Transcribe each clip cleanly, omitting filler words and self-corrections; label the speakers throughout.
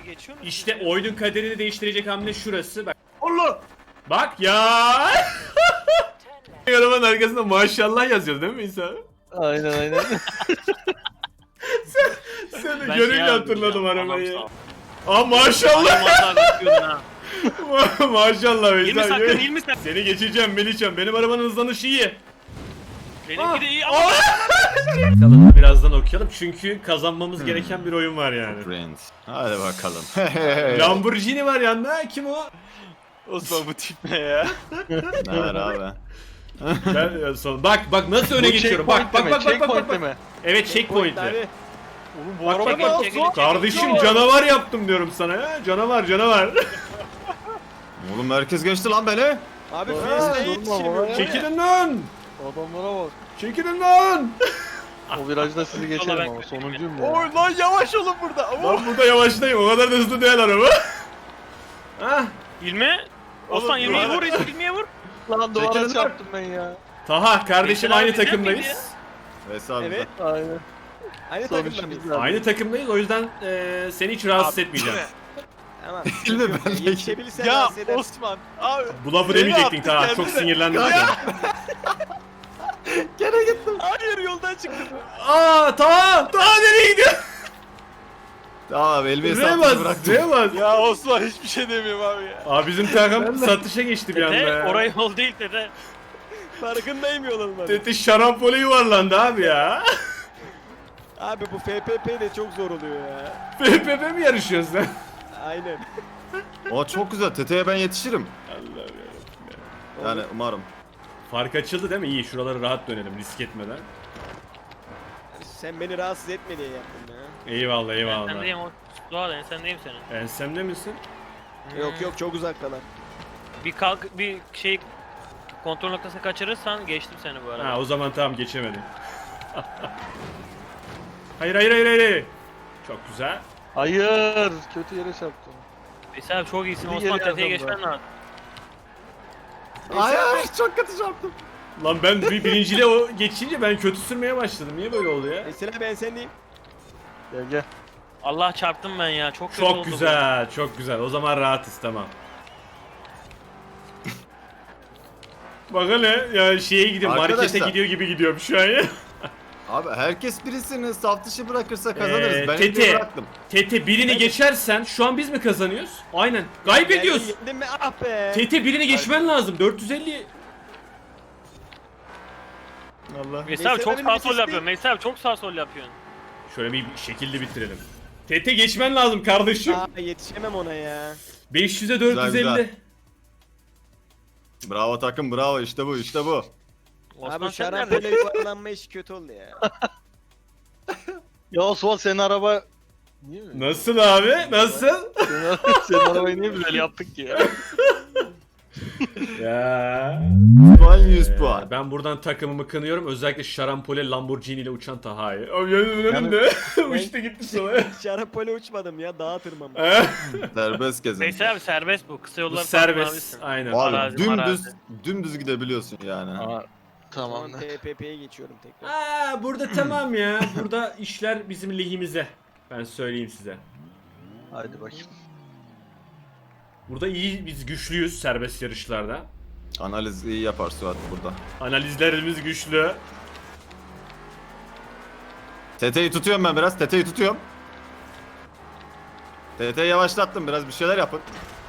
Speaker 1: geçiyor mu?
Speaker 2: İşte oyunun kaderini değiştirecek hamle şurası. Bak.
Speaker 3: Allah!
Speaker 2: Bak ya. Arabanın arkasında maşallah yazıyor değil mi İsa?
Speaker 3: Aynen.
Speaker 2: Sen de
Speaker 1: Ben
Speaker 2: görünce
Speaker 1: şey
Speaker 2: hatırladım
Speaker 1: yaptım ya,
Speaker 2: arabayı.
Speaker 1: anam
Speaker 2: Aa maşallah.
Speaker 1: ha.
Speaker 2: Maşallah
Speaker 1: İlmi
Speaker 2: İsa.
Speaker 1: sakın, İlmi sakın.
Speaker 2: Seni geçeceğim Melihcan. Benim arabanın hızlanışı iyi.
Speaker 1: Benimki de iyi ama.
Speaker 2: Bakalım birazdan okuyalım çünkü kazanmamız gereken bir oyun var yani.
Speaker 4: Friends. Hadi bakalım.
Speaker 2: Lamborghini var yanında. Kim o?
Speaker 1: Osman bu tip ne ya?
Speaker 4: Ne var abi?
Speaker 2: Ben son. Bak nasıl öne geçiyorum. Bak. Evet checkpoint'te.
Speaker 1: Oğlum bu
Speaker 2: Bak,
Speaker 1: araba
Speaker 2: bak, bak.
Speaker 1: çekil.
Speaker 2: Kardeşim canavar yaptım diyorum sana ya. Canavar.
Speaker 4: Oğlum herkes geçti lan beni.
Speaker 3: Abi Friends'e yetiştirmiyor.
Speaker 2: Çekilin lan.
Speaker 3: Adamlara bak.
Speaker 2: Çekilin lan.
Speaker 3: O virajda sizi geçerim ama sonuncuyum ya.
Speaker 1: Oy lan yavaş olun burada.
Speaker 2: Ben burada yavaşlayayım. O kadar da hızlı değil araba. Hah.
Speaker 1: İlmi. Osman İlmi'ye vur, İlmi'ye vur.
Speaker 3: Lan duvara
Speaker 4: Çekilin
Speaker 3: çarptım ben ya.
Speaker 2: Taha kardeşim
Speaker 1: Mesela
Speaker 2: aynı
Speaker 1: bizden
Speaker 2: takımdayız.
Speaker 1: miydi?
Speaker 4: Veysel abi.
Speaker 5: Evet.
Speaker 3: Aynen.
Speaker 5: Aynı
Speaker 3: Sonuçta
Speaker 5: takımda
Speaker 3: biz
Speaker 5: mıyız?
Speaker 2: Aynı takımdayız o yüzden seni hiç rahatsız etmeyeceğim.
Speaker 5: Tamam.
Speaker 4: Değil mi? Ben de-
Speaker 5: Yetişebilirsen
Speaker 1: Ya
Speaker 5: rahatsız eder.
Speaker 1: Osman abi.
Speaker 2: Bu lafı
Speaker 1: Beni
Speaker 2: demeyecektin
Speaker 1: attı
Speaker 2: Taha.
Speaker 1: kendine.
Speaker 2: Çok sinirlendim.
Speaker 4: Gene gittim.
Speaker 1: Hayır yoldan çıktım.
Speaker 2: Aa Taha nereye gidiyor?
Speaker 4: Tamam abi elimi
Speaker 2: R'ye
Speaker 4: hesaplısı
Speaker 2: bas.
Speaker 4: bıraktım.
Speaker 2: R'ye bas.
Speaker 1: Ya Osman hiçbir şey demiyorum abi ya.
Speaker 2: Abi bizim takım satışa geçti bir anda
Speaker 1: Dede
Speaker 2: ya.
Speaker 1: oraya yol değil dede.
Speaker 5: Farkındayım yolun
Speaker 2: Tete şarampole yuvarlandı abi ya.
Speaker 5: Abi bu FPP de çok zor oluyor ya.
Speaker 2: FPP mi yarışıyorsun sen?
Speaker 5: Aynen.
Speaker 4: O çok güzel. Teteye ben yetişirim.
Speaker 2: Allah'ım ya.
Speaker 4: Yani umarım.
Speaker 2: Fark açıldı değil mi? İyi şuraları rahat dönelim risk etmeden.
Speaker 5: Sen beni rahatsız etme diye yaptım ya.
Speaker 2: Eyvallah
Speaker 1: Ben
Speaker 2: eyvallah.
Speaker 1: sendeyim o. Doğal ben sendeyim senin.
Speaker 2: Ensemde misin?
Speaker 5: Yok çok uzaktalar.
Speaker 1: Bir kalk bir şey kontrol noktasını kaçırırsan geçtim seni bu arada.
Speaker 2: Ha o zaman tamam geçemedim. Hayır. Çok güzel.
Speaker 3: Hayır. Kötü yere çarptım.
Speaker 1: Veysel abi çok iyisin
Speaker 3: Bir
Speaker 1: Osman
Speaker 3: geri
Speaker 1: tepeye
Speaker 3: yazdım
Speaker 1: geçmen lazım.
Speaker 4: Hayır çok kötü çarptım.
Speaker 2: Lan ben birinciyle o geçince ben kötü sürmeye başladım. Niye böyle oldu ya?
Speaker 5: Mesela ben sendeyim.
Speaker 3: Gel.
Speaker 1: Allah çarptım ben ya çok kötü oldu
Speaker 2: Çok
Speaker 1: bu.
Speaker 2: güzel, çok güzel. O zaman rahatız tamam. Bak hele ya şeye gidiyor, markete
Speaker 4: Arkadaşlar.
Speaker 2: gidiyor gibi gidiyorum şu an ya.
Speaker 4: Abi herkes birisini saf dışı bırakırsa kazanırız. Ben
Speaker 2: Tete.
Speaker 4: elimi bıraktım.
Speaker 2: Tete birini geçersen şu an biz mi kazanıyoruz? Aynen. Kaybediyoruz.
Speaker 5: Yendim mi? Ah be.
Speaker 2: Tete birini geçmen lazım. 450.
Speaker 4: Allah.
Speaker 1: Veysel abi çok
Speaker 5: Veysel'in
Speaker 1: sağ sol
Speaker 5: vitesi
Speaker 1: yapıyorsun. Veysel abi çok sağ sol yapıyorsun.
Speaker 2: Şöyle bir şekilde bitirelim. Tete geçmen lazım kardeşim.
Speaker 5: Aa, yetişemem ona ya.
Speaker 2: 500'e 450.
Speaker 4: Güzel. Bravo takım bravo işte bu işte bu.
Speaker 1: Osman
Speaker 5: Abi
Speaker 1: sen
Speaker 5: şarampole
Speaker 1: nerede?
Speaker 5: yuvarlanma işi kötü oldu ya.
Speaker 3: Ya Osman senin araba... Niye mi?
Speaker 2: Nasıl abi? Nasıl?
Speaker 3: Senin arabayı niye böyle yaptık ki ya?
Speaker 2: Ya.
Speaker 4: Puan 100 puan.
Speaker 2: Ben buradan takımımı kınıyorum. Özellikle şarampole Lamborghini ile uçan Taha'yı. Abi önümde. Uçtu gitti sana.
Speaker 5: Şarampole uçmadım ya dağa tırmandım.
Speaker 4: Serbest gezin.
Speaker 1: Veysel abi serbest bu. Kısa
Speaker 2: Bu
Speaker 1: yollar
Speaker 2: serbest. Aynen.
Speaker 4: Abi
Speaker 1: Arazi,
Speaker 4: dümdüz gidebiliyorsun yani.
Speaker 3: Tamam.
Speaker 5: Tamam TPP'ye geçiyorum tekrar.
Speaker 2: Aa, burada tamam ya. Burada işler bizim lehimize. Ben söyleyeyim size.
Speaker 3: Haydi bakayım.
Speaker 2: Burada iyi, biz güçlüyüz serbest yarışlarda.
Speaker 4: Analiz iyi yapar Suat burada.
Speaker 2: Analizlerimiz güçlü.
Speaker 4: Teteyi tutuyorum ben biraz. Teteyi tutuyorum. Teteyi yavaşlattım biraz bir şeyler yapın.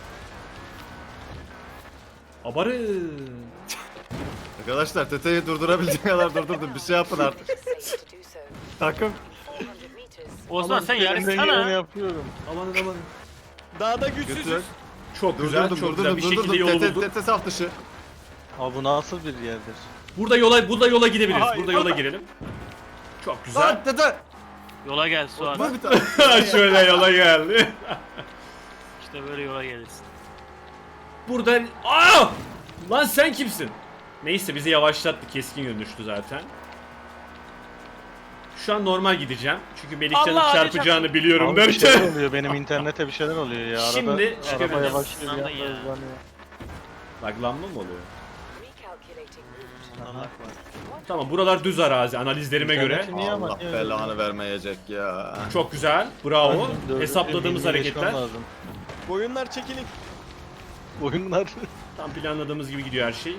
Speaker 2: Abarı.
Speaker 4: Arkadaşlar teteyi durdurabildiğim kadar durdurdum. Bir şey yapın artık. Takım.
Speaker 1: Osman sen
Speaker 3: Ben de yine
Speaker 1: yarışsana.
Speaker 3: yapıyorum.
Speaker 2: Aman.
Speaker 5: Dağda
Speaker 4: Götür.
Speaker 5: güçsüzüz.
Speaker 2: Çok güzel, çok güzel. Bir şekilde yolu
Speaker 4: Tete,
Speaker 2: bulduk.
Speaker 4: tete saf dışı.
Speaker 3: Abi bu nasıl bir yerdir?
Speaker 2: Burada yola gidebiliriz.
Speaker 1: Hayır.
Speaker 2: Burada yola girelim. Çok güzel.
Speaker 4: Lan tete.
Speaker 1: Yola gel Suat.
Speaker 4: Vur bir tane.
Speaker 2: Şöyle yola geldi.
Speaker 1: İşte böyle yola gelirsin.
Speaker 2: Burada... Aa! Lan sen kimsin? Neyse bizi yavaşlattı. Keskin yön düştü zaten. Şu an normal gideceğim. Çünkü Melihcan'ın
Speaker 1: Allah,
Speaker 2: çarpacağını biliyorum
Speaker 3: Abi bir şeyler
Speaker 2: derken.
Speaker 3: oluyor. Benim internete bir şeyler oluyor ya. Arada,
Speaker 2: Şimdi
Speaker 3: araba
Speaker 2: çıkabiliriz.
Speaker 3: yavaşlıyor.
Speaker 1: Anladın
Speaker 3: Bir
Speaker 1: ya.
Speaker 3: anda hızlanıyor.
Speaker 2: Laglanma mı oluyor?
Speaker 3: Aha.
Speaker 2: Tamam buralar düz arazi analizlerime göre.
Speaker 3: İnterneti niye ama?
Speaker 4: Allah belanı vermeyecek ya.
Speaker 2: Çok güzel. Bravo. Hesapladığımız hareketler.
Speaker 5: Boyunlar çekilin.
Speaker 3: Oyunlar.
Speaker 2: Tam planladığımız gibi gidiyor her şey.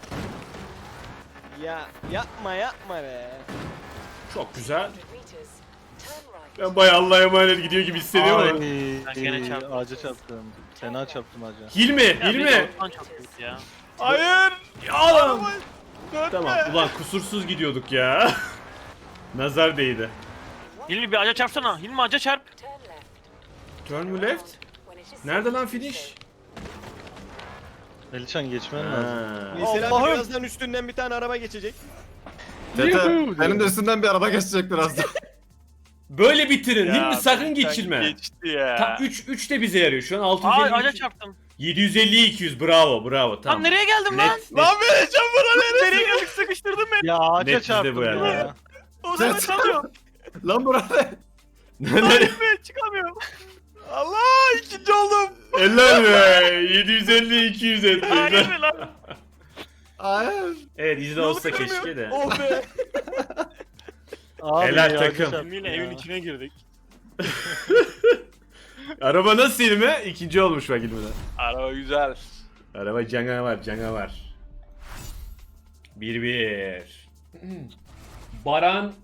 Speaker 5: Ya yapma be.
Speaker 2: Çok güzel. Ben bayağı Allah'a emanet gidiyor gibi hissediyorum ama.
Speaker 1: Ben gene çarptım.
Speaker 3: Ağaca çarptım. Fena çarptım ağaca.
Speaker 2: Hilmi,
Speaker 1: Ya bir
Speaker 2: Hilmi.
Speaker 1: de Osman çok kötü ya.
Speaker 5: Hayır.
Speaker 2: Ya oğlum. Tamam ulan kusursuz gidiyorduk ya. Nazar değdi.
Speaker 1: Hilmi bir ağaca çarpsana. Hilmi ağaca çarp.
Speaker 2: Turn mu left? Nerede lan finish?
Speaker 3: Melihcan geçmen lazım.
Speaker 2: Ha.
Speaker 5: Mesela
Speaker 3: Allah'ım.
Speaker 5: birazdan üstünden bir tane araba geçecek.
Speaker 4: Tete senin de üstünden bir araba geçecek birazdan.
Speaker 2: Böyle bitirin. Hilmi sakın geçirme.
Speaker 6: Geçti ya.
Speaker 2: Tam 3 de bize yarıyor. Şu an
Speaker 1: Aa
Speaker 2: 650
Speaker 1: ağaca çarptım.
Speaker 2: 750 200 bravo
Speaker 1: Lan
Speaker 2: tamam.
Speaker 1: nereye geldim lan?
Speaker 2: Net.
Speaker 5: Lan vereceğim buna
Speaker 1: Nereye geldik sıkıştırdın beni.
Speaker 3: Ya ağaca
Speaker 2: Net bizde
Speaker 3: çarptım
Speaker 2: bu yani.
Speaker 3: ya.
Speaker 1: O zaman
Speaker 4: Ses-
Speaker 1: çalıyorum.
Speaker 4: Lan burada.
Speaker 1: Ben çıkamıyorum.
Speaker 5: Allah ikinci oldum.
Speaker 2: Eller be 750 200 etti.
Speaker 1: Hayır mi lan?
Speaker 4: Hayır.
Speaker 2: Evet izle olsa keşke de.
Speaker 5: Oh be.
Speaker 3: Abi
Speaker 2: Helal
Speaker 3: ya,
Speaker 2: takım.
Speaker 3: ağaca çarptım
Speaker 1: Hilmi'yle
Speaker 3: ya.
Speaker 1: evin içine girdik.
Speaker 2: Araba nasıl Hilmi? İkinci olmuş bak Hilmi'den.
Speaker 6: Araba güzel.
Speaker 2: Araba canavar. 1-1. Baran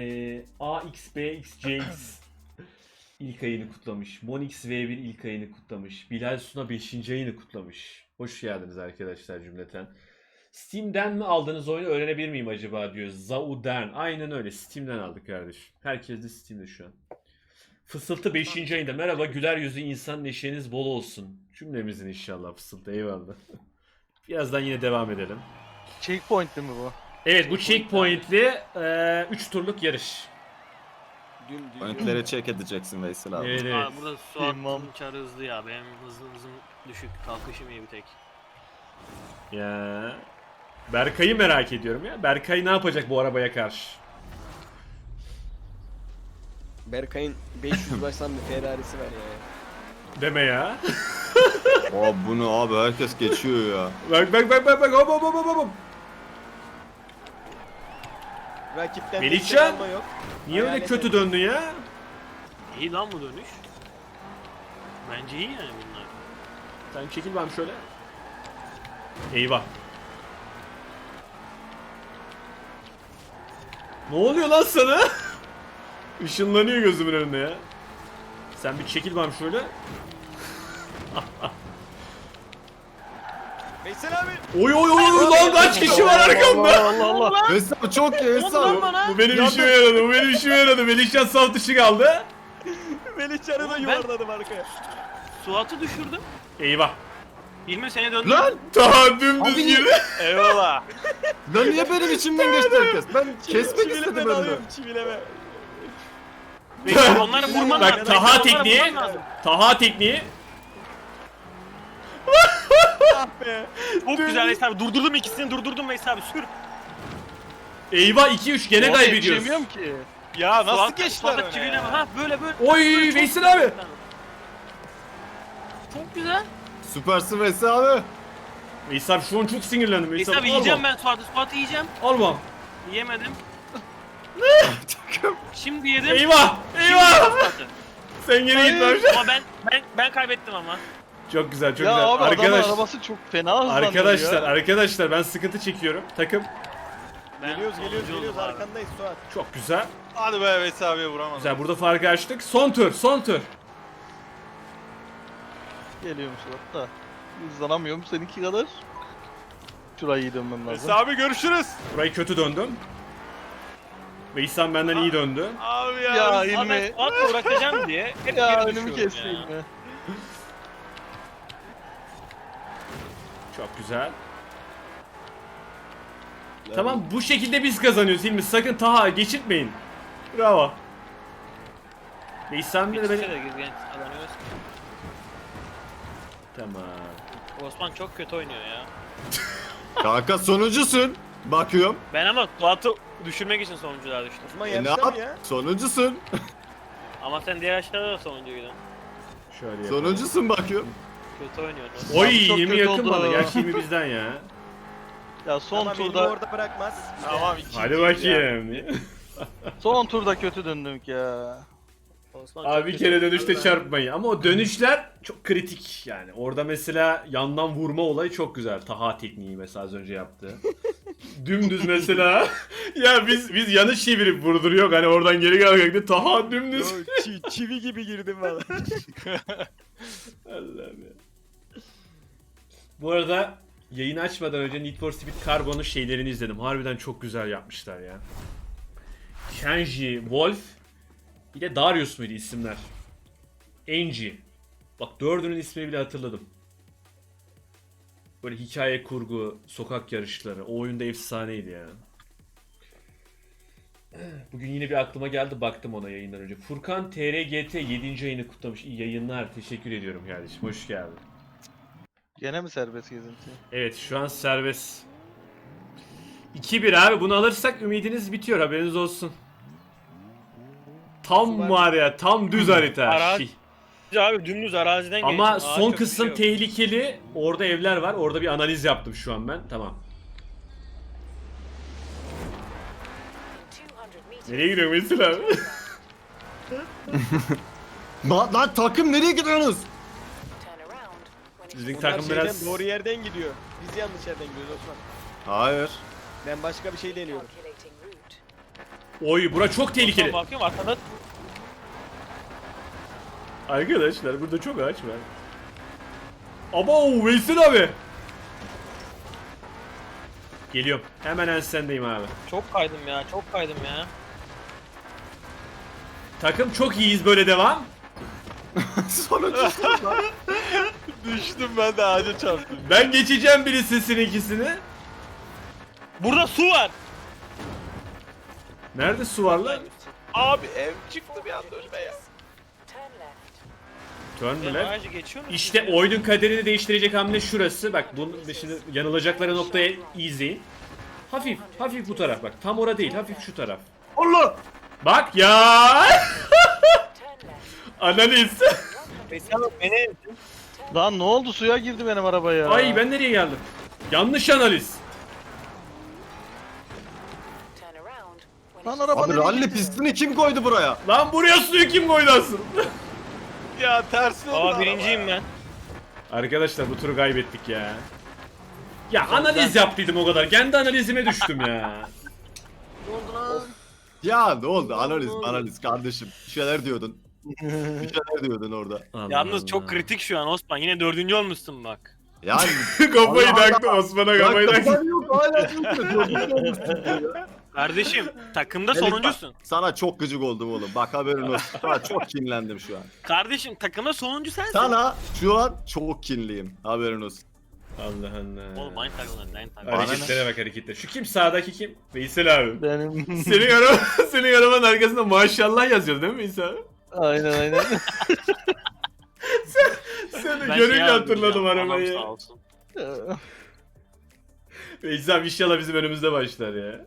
Speaker 2: AXBXCX ilk ayını kutlamış. Monix V1 ilk ayını kutlamış. Bilal Suna 5. ayını kutlamış. Hoş geldiniz arkadaşlar cümleten. Steam'den mi aldığınız oyunu öğrenebilir miyim acaba diyor. Zauden. Aynen öyle. Steam'den aldık kardeşim. Herkes de Steam'de şu an. Fısıltı 5. ayında. Merhaba güler yüzlü insan neşeniz bol olsun. Cümlemizin inşallah Fısıltı. Eyvallah. Birazdan yine devam edelim.
Speaker 3: Checkpoint değil mi bu?
Speaker 2: Evet bu checkpoint'li 3 turluk yarış.
Speaker 4: Pointleri check edeceksin Veysel abi.
Speaker 2: Evet evet.
Speaker 1: Aa, burada Suat'ın
Speaker 3: İmam.
Speaker 1: çarı hızlı ya. Benim hızım düşük. Kalkışım iyi bir tek.
Speaker 2: Ya. Berkay'ı merak ediyorum ya. Berkay ne yapacak bu arabaya karşı?
Speaker 5: Berkay'ın 500 baştan bir Ferrari'si var ya.
Speaker 2: Deme ya.
Speaker 4: Aa bunu abi herkes geçiyor ya.
Speaker 2: Bak hop.
Speaker 5: Rakipten
Speaker 2: Melihcan!
Speaker 5: destek alma yok.
Speaker 2: Niye öyle
Speaker 5: Hayalet
Speaker 2: kötü
Speaker 5: et.
Speaker 2: döndün ya?
Speaker 1: İyi lan bu dönüş. Bence iyi yani bunlar.
Speaker 2: Sen çekil ben şöyle. Eyvah. Ne oluyor lan sana? Işınlanıyor gözümün önünde ya. Sen bir çekil ben şöyle.
Speaker 5: Veysel abi.
Speaker 2: Oy lan kaç kişi var arkamda?
Speaker 3: Allah Allah.
Speaker 4: Veysel abi çok iyi Veysel
Speaker 1: Lan
Speaker 4: abi.
Speaker 1: bana.
Speaker 2: Bu benim işime yaradı. Melihcan saf dışı kaldı.
Speaker 5: Melihcan'ı da
Speaker 1: Oğlum ben-
Speaker 5: yuvarladım arkaya.
Speaker 1: Suat'ı düşürdüm.
Speaker 2: Eyvah.
Speaker 1: Hilmi seni döndü.
Speaker 4: Lan!
Speaker 2: Daha dümdüz gibi.
Speaker 6: Eyvallah.
Speaker 4: Lan niye benim içimden geçti herkes? Ben kesmek istedim
Speaker 5: Çivileme
Speaker 4: önünü.
Speaker 5: alıyorum çivileme.
Speaker 1: Bekle, onları vurman
Speaker 2: Bak,
Speaker 1: lazım.
Speaker 2: Taha
Speaker 1: Bekle, onları
Speaker 2: tekniği.
Speaker 1: vurman lazım.
Speaker 2: Taha tekniği.
Speaker 5: Ah be.
Speaker 1: Çok güzel Veysel abi. Durdurdum ikisini durdurdum Veysel abi. Sür.
Speaker 2: Eyvah 2-3 gene kaybediyoruz.
Speaker 3: Yetişemiyorum ki.
Speaker 6: Ya nasıl
Speaker 1: Suat-
Speaker 6: geçtiler
Speaker 1: Suat'a
Speaker 6: öne
Speaker 1: çivileme.
Speaker 6: ya?
Speaker 1: Ha böyle.
Speaker 2: Oy
Speaker 1: Böyle çok
Speaker 2: Veysel
Speaker 1: güzel.
Speaker 2: abi.
Speaker 1: Çok güzel.
Speaker 4: Süpersin Veysel abi.
Speaker 2: Veysel abi şu an çok sinirlendim.
Speaker 1: Veysel abi yiyeceğim ben Suat'ı. Suat'ı yiyeceğim.
Speaker 2: Almam.
Speaker 1: Yiyemedim. Şimdi yedim.
Speaker 2: Eyvah.
Speaker 1: Şimdi
Speaker 2: Eyvah.
Speaker 1: yedim Suat'ı.
Speaker 2: Sen gene git lan.
Speaker 1: Ama ben kaybettim ama.
Speaker 2: Çok güzel çok
Speaker 3: Ya
Speaker 2: güzel.
Speaker 3: abi adamın
Speaker 2: Arkadaş,
Speaker 3: arabası çok fena hızlanıyor
Speaker 2: arkadaşlar ben sıkıntı çekiyorum. Takım
Speaker 1: Ben
Speaker 5: Geliyoruz
Speaker 1: sonuncu oldum abi.
Speaker 5: arkandayız Suat.
Speaker 2: çok güzel.
Speaker 6: Hadi be Veysel abiye vuramadım.
Speaker 2: Güzel burada farkı açtık. Son tur.
Speaker 3: Geliyorum Suat da. Hızlanamıyorum seninki kadar. Şurayı iyi dönmem lazım.
Speaker 6: Veysel abi görüşürüz.
Speaker 2: Burayı kötü döndüm. Veysel benden iyi döndü.
Speaker 6: Abi ya.
Speaker 3: Ya
Speaker 1: Abi ben
Speaker 3: ilmi.
Speaker 1: Suat'la uğraşacağım diye hep
Speaker 3: Ya
Speaker 1: geri
Speaker 3: önümü
Speaker 1: düşüyorum
Speaker 3: kesti
Speaker 1: ya.
Speaker 3: ilmi.
Speaker 2: Çok güzel. Tamam bu şekilde biz kazanıyoruz Hilmi. Sakın Taha geçirtmeyin. Bravo. Veysel de
Speaker 1: İkisi
Speaker 2: beni...
Speaker 1: de genç kazanıyoruz.
Speaker 2: Tamam.
Speaker 1: Osman çok kötü oynuyor ya.
Speaker 4: Kanka sonuncusun. Bakıyorum.
Speaker 1: Ben ama Suat'ı düşürmek için sonuncular düştüm.
Speaker 5: Osman
Speaker 4: Ne
Speaker 5: yarışta
Speaker 4: yap?
Speaker 5: mı ya?
Speaker 4: Sonuncusun.
Speaker 1: Ama sen diğer yaşlarda da sonuncuydun.
Speaker 2: Şöyle yapalım.
Speaker 4: Sonuncusun bakıyorum.
Speaker 1: Kötü oynuyordu.
Speaker 2: Oy
Speaker 3: Çok
Speaker 2: 20
Speaker 3: kötü
Speaker 2: yakın
Speaker 3: oldu.
Speaker 2: bana. Gerçi 20 bizden ya.
Speaker 3: Ya son
Speaker 5: Ama beni
Speaker 3: turda
Speaker 5: orada bırakmaz.
Speaker 6: Tamam ikinci.
Speaker 2: Hadi bakayım.
Speaker 3: son turda kötü döndük ya.
Speaker 1: Osman çok
Speaker 2: Abi bir
Speaker 1: kötü.
Speaker 2: kere dönüşte
Speaker 1: Harbiden.
Speaker 2: çarpmayın. Ama o dönüşler çok kritik yani. Orada mesela yandan vurma olayı çok güzel. Taha tekniği mesela az önce yaptı. Dümdüz mesela. Ya biz yanlış çevirip vurduruyor. Hani oradan geri gelmekte Taha dümdüz.
Speaker 5: Yo, çivi gibi girdim valla.
Speaker 2: Allah'ım ya. Bu arada yayını açmadan önce Need for Speed Carbon'un şeylerini izledim. Harbiden çok güzel yapmışlar ya. Kenji, Wolf, bir de Darius muydu isimler? Angie. Bak dördünün ismini bile hatırladım. Böyle hikaye kurgu, sokak yarışları. O oyunda efsaneydi ya. Bugün yine bir aklıma geldi, baktım ona yayından önce. Furkan TRGT 7. ayını kutlamış. İyi yayınlar. Teşekkür ediyorum kardeşim. Hoş geldin.
Speaker 3: Gene mi serbest gezinti?
Speaker 2: Evet şu an serbest. 2-1 abi, bunu alırsak ümidiniz bitiyor, haberiniz olsun. Tam var ya, tam düz harita.
Speaker 1: Arazi- Abi dümdüz araziden
Speaker 2: Ama
Speaker 1: geçtim.
Speaker 2: son
Speaker 1: Ağaç
Speaker 2: kısım
Speaker 1: yok, bir şey yok.
Speaker 2: tehlikeli. Orada evler var. Orada bir analiz yaptım şu an ben. Tamam. Nereye gidiyor Veysel abi?
Speaker 4: Lan takım nereye gidiyorsunuz?
Speaker 2: Bizim
Speaker 5: Onlar
Speaker 2: takım
Speaker 5: şeyden,
Speaker 2: biraz...
Speaker 5: doğru yerden gidiyor. Biz yanlış yerden gidiyoruz Osman.
Speaker 4: Hayır.
Speaker 5: Ben başka bir şey deniyorum.
Speaker 2: Oy, bura çok tehlikeli.
Speaker 1: Bakıyorum arkada
Speaker 2: Arkadaşlar burada çok ağaç var. Abo Veysel abi. Geliyorum. Hemen ensendeyim abi.
Speaker 1: çok kaydım ya, çok kaydım ya.
Speaker 2: Takım çok iyiyiz, böyle devam.
Speaker 4: Sonuncu.
Speaker 6: Düştüm ben de ağaca çarptım.
Speaker 2: Ben geçeceğim birisinin ikisini.
Speaker 1: Burada su var.
Speaker 2: Nerede su var lan?
Speaker 6: Abi ev çıktı bir anda önüme ya.
Speaker 2: Turn
Speaker 1: Ben
Speaker 2: left.
Speaker 1: ağacı geçiyor musun?
Speaker 2: İşte oyunun kaderini değiştirecek hamle şurası. Bak bunun şimdi yanılacakları noktaya iyi izleyin. Hafif, hafif bu taraf bak. Tam ora değil, hafif şu taraf.
Speaker 4: Allah!
Speaker 2: Bak ya! Analiz.
Speaker 1: Mesela beni
Speaker 3: Lan ne oldu, suya girdi benim araba ya.
Speaker 2: Ay ben nereye geldim? Yanlış analiz.
Speaker 3: Lan araba
Speaker 4: Abi
Speaker 3: nereye
Speaker 4: ralli
Speaker 3: gitti?
Speaker 4: pistini kim koydu buraya?
Speaker 2: Lan buraya suyu kim koydu asıl?
Speaker 6: Ya tersine oldu
Speaker 1: Aa birinciyim ben.
Speaker 2: Arkadaşlar bu turu kaybettik ya. Ya analiz yaptıydım o kadar. Kendi analizime düştüm ya.
Speaker 4: Ya ne oldu? Analiz kardeşim. Bir şeyler diyordun. Bir şeyler diyordun orada.
Speaker 1: Yalnız çok kritik şu an Osman. Yine 4. olmuşsun bak.
Speaker 4: Yani
Speaker 2: Kafayı
Speaker 4: Allah
Speaker 2: taktı Osman'a, kafayı taktı.
Speaker 4: kafan yok hala diyorsun.
Speaker 1: Kardeşim takımda
Speaker 4: Melih bak,
Speaker 1: sonuncusun.
Speaker 4: Sana çok gıcık oldum oğlum. Bak haberin olsun. Sana çok kinlendim şu an.
Speaker 1: Kardeşim takımda sonuncu sensin.
Speaker 4: Sana şu an çok kinliyim. Haberin olsun.
Speaker 2: Allah Allah.
Speaker 1: Oğlum aynı takımda, aynı takımda.
Speaker 2: Hareketlere bak, hareketlere. Şu kim, sağdaki kim? Veysel abi.
Speaker 3: Benim.
Speaker 2: Senin arabanın arkasında maşallah yazıyor değil mi Veysel abi?
Speaker 3: Aynen.
Speaker 2: Seni
Speaker 1: Ben
Speaker 2: görünce
Speaker 1: şey
Speaker 2: hatırladım
Speaker 1: yapmayacağım,
Speaker 2: arabayı.
Speaker 1: anam sağ olsun.
Speaker 2: Veysel abi inşallah bizim önümüzde başlar ya.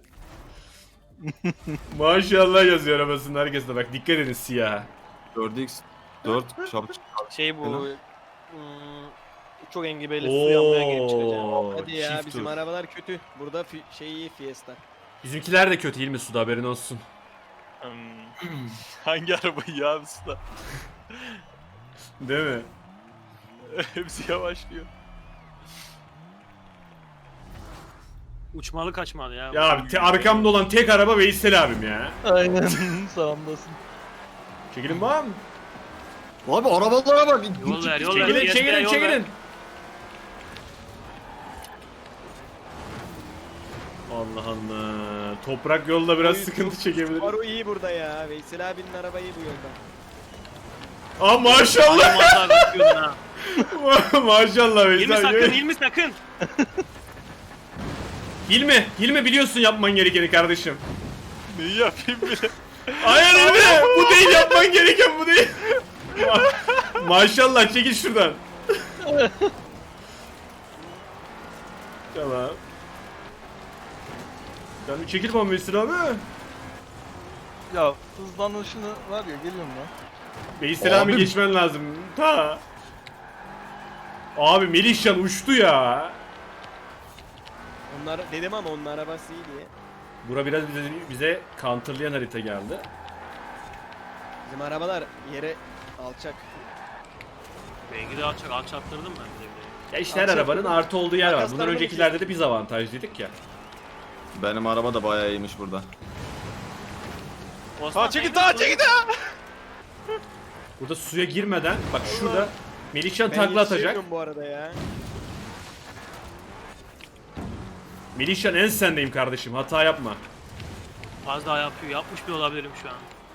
Speaker 2: Maşallah yazıyor arabasının arkasında, bak dikkat edin siyah.
Speaker 4: 4x 4 çabuk.
Speaker 1: Şey bu...
Speaker 4: Helal.
Speaker 1: Çok engebeli su yanmaya gelip çıkacağım.
Speaker 2: Oo,
Speaker 5: Hadi ya
Speaker 2: çift
Speaker 5: bizim
Speaker 2: tur.
Speaker 5: arabalar kötü. Burada şey iyi Fiesta.
Speaker 2: Bizimkiler de kötü değil mi suda, haberin olsun.
Speaker 6: Hangi arabayı ya usta?
Speaker 2: Değil mi?
Speaker 6: Hepsi yavaşlıyor.
Speaker 1: Uçmalı kaçmalı ya.
Speaker 2: Ya abi, arkamda olan tek araba Veysel abim ya.
Speaker 3: Aynen. Sağımdasın.
Speaker 2: Çekilin var mı?
Speaker 4: Abi arabalara bak.
Speaker 1: Yol ver, yol ver.
Speaker 2: Çekilin,
Speaker 1: Fiesta'ya
Speaker 2: çekilin,
Speaker 1: yol ver.
Speaker 2: çekilin. Allah Allah. Toprak yolda biraz
Speaker 5: Oy,
Speaker 2: sıkıntı çekebilir.
Speaker 5: Subaru iyi burada ya. Veysel abinin arabayı bu yolda.
Speaker 2: Aa maşallah.
Speaker 1: Ay, vallahi bekliyordun ha.
Speaker 2: Maşallah
Speaker 1: Hilmi
Speaker 2: Veysel.
Speaker 1: sakın, Hilmi sakın.
Speaker 2: Hilmi biliyorsun yapman gerekeni kardeşim.
Speaker 6: Neyi yapayım bile?
Speaker 2: Hayır Hilmi, bu değil yapman gereken, bu değil. Maşallah, çekil şuradan. Tamam. Sen bir çekil bana Veysel abi.
Speaker 3: Ya hızlanışını var ya, geliyorum lan.
Speaker 2: Veysel abi
Speaker 4: Abi-
Speaker 2: geçmen lazım. Ta. Abi Melihcan uçtu ya.
Speaker 5: Onlar dedim ama onun arabası iyi diye.
Speaker 2: Bura biraz bize counterlayan harita geldi.
Speaker 5: Bizim arabalar yere alçak.
Speaker 1: Belki de alçattırdım ben de bile.
Speaker 2: Ya işte her arabanın artı olduğu yer var. Bundan
Speaker 5: Makaslarını
Speaker 2: öncekilerde de biz avantajlıydık ya.
Speaker 4: Benim araba da bayağı iyiymiş burada.
Speaker 1: Osman,
Speaker 6: Çekil
Speaker 1: sen-
Speaker 6: çekil.
Speaker 2: Burada suya girmeden bak şurada Melihcan
Speaker 5: Ben
Speaker 2: takla atacak.
Speaker 5: yetişemiyorum bu arada ya.
Speaker 2: Melihcan en sendeyim kardeşim. Hata yapma.
Speaker 1: Az daha yapıyor. Yapmış bile olabilirim şu an.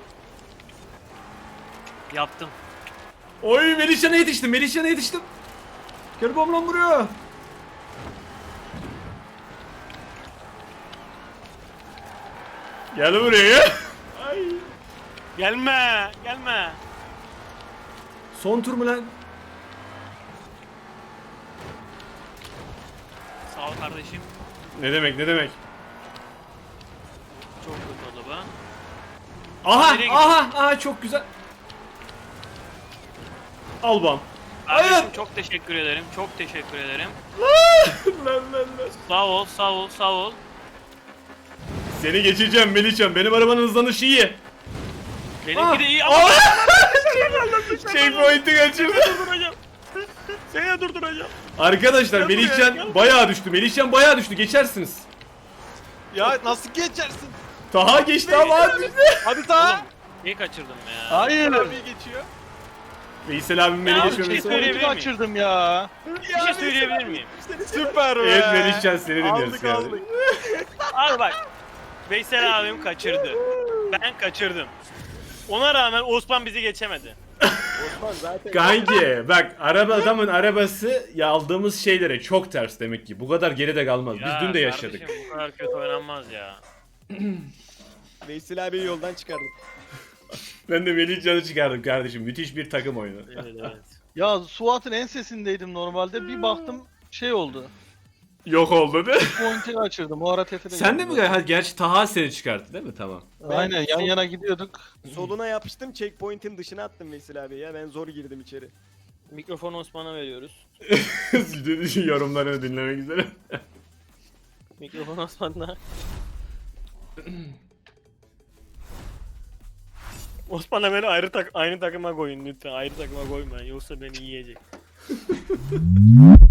Speaker 1: Yaptım.
Speaker 2: Oy Melihcan'a yetiştim. Melihcan'a yetiştim. Gel bomlam vuruyor. Gel buraya. Ay.
Speaker 1: Gelme. Gelme.
Speaker 2: Son tur mu lan?
Speaker 1: Sağ ol kardeşim.
Speaker 2: Ne demek ne demek?
Speaker 1: Çok kötü araba.
Speaker 2: Aha
Speaker 1: Nereye
Speaker 2: aha çok güzel. Al bam.
Speaker 1: Kardeşim
Speaker 2: Hayır.
Speaker 1: çok teşekkür ederim. Çok teşekkür ederim.
Speaker 2: Lan.
Speaker 1: Sağ ol, sağ ol, sağ ol.
Speaker 2: Seni geçeceğim Melihcan. Benim arabanın hızlanışı iyi.
Speaker 1: Benimki de iyi ama
Speaker 2: Aa! Checkpoint'i kaçırdı.
Speaker 1: durduracağım. Seni de durduracağım.
Speaker 2: Arkadaşlar
Speaker 6: Gel buraya,
Speaker 2: Melihcan
Speaker 6: gel.
Speaker 2: bayağı düştü. Melihcan bayağı düştü. Geçersiniz.
Speaker 6: Ya nasıl geçersin?
Speaker 2: Taha geçti ama az düştü.
Speaker 6: Hadi daha.
Speaker 1: Neyi kaçırdım ya?
Speaker 3: Hayır.
Speaker 6: Abi geçiyor.
Speaker 2: Veysel abim beni
Speaker 1: Ya,
Speaker 2: geçmemesi.
Speaker 1: bir şey söyleyeyim.
Speaker 3: Pointi kaçırdım ya.
Speaker 1: Bir şey söyleyebilir miyim?
Speaker 6: Süper be.
Speaker 2: Evet Melihcan seni dinliyoruz.
Speaker 6: Aldık
Speaker 2: yani.
Speaker 6: aldık.
Speaker 1: Abi bak. Veysel abim kaçırdı. Ben kaçırdım. Ona rağmen Osman bizi geçemedi.
Speaker 5: Osman zaten
Speaker 2: Kanki bak adamın arabası ya aldığımız şeylere çok ters demek ki. Bu kadar geride kalmaz.
Speaker 1: Ya
Speaker 2: Biz dün de yaşadık.
Speaker 1: kardeşim, bu kadar kötü oynanmaz ya.
Speaker 5: Veysel abiyi yoldan çıkardım.
Speaker 2: Ben de Melihcan'ı çıkardım kardeşim. Müthiş bir takım oyunu.
Speaker 1: Evet evet.
Speaker 3: Ya Suat'ın ensesindeydim normalde. Bir baktım şey oldu.
Speaker 2: Yok oldu değil mi?
Speaker 3: Pointi kaçırdım. O ara tefede
Speaker 2: Sen de mi? Ha, gerçi Taha seni çıkarttı değil mi? Tamam.
Speaker 3: Aynen yan yana gidiyorduk.
Speaker 5: Soluna yapıştım, checkpoint'in dışına attım Veysel abi ya. Ben zor girdim içeri.
Speaker 1: Mikrofonu Osman'a veriyoruz.
Speaker 2: Yorumlarını dinlemek üzere.
Speaker 1: Mikrofon Osman'da. Osman'a beni aynı takıma koyun lütfen. Ayrı takıma koymayın yoksa beni yiyecek.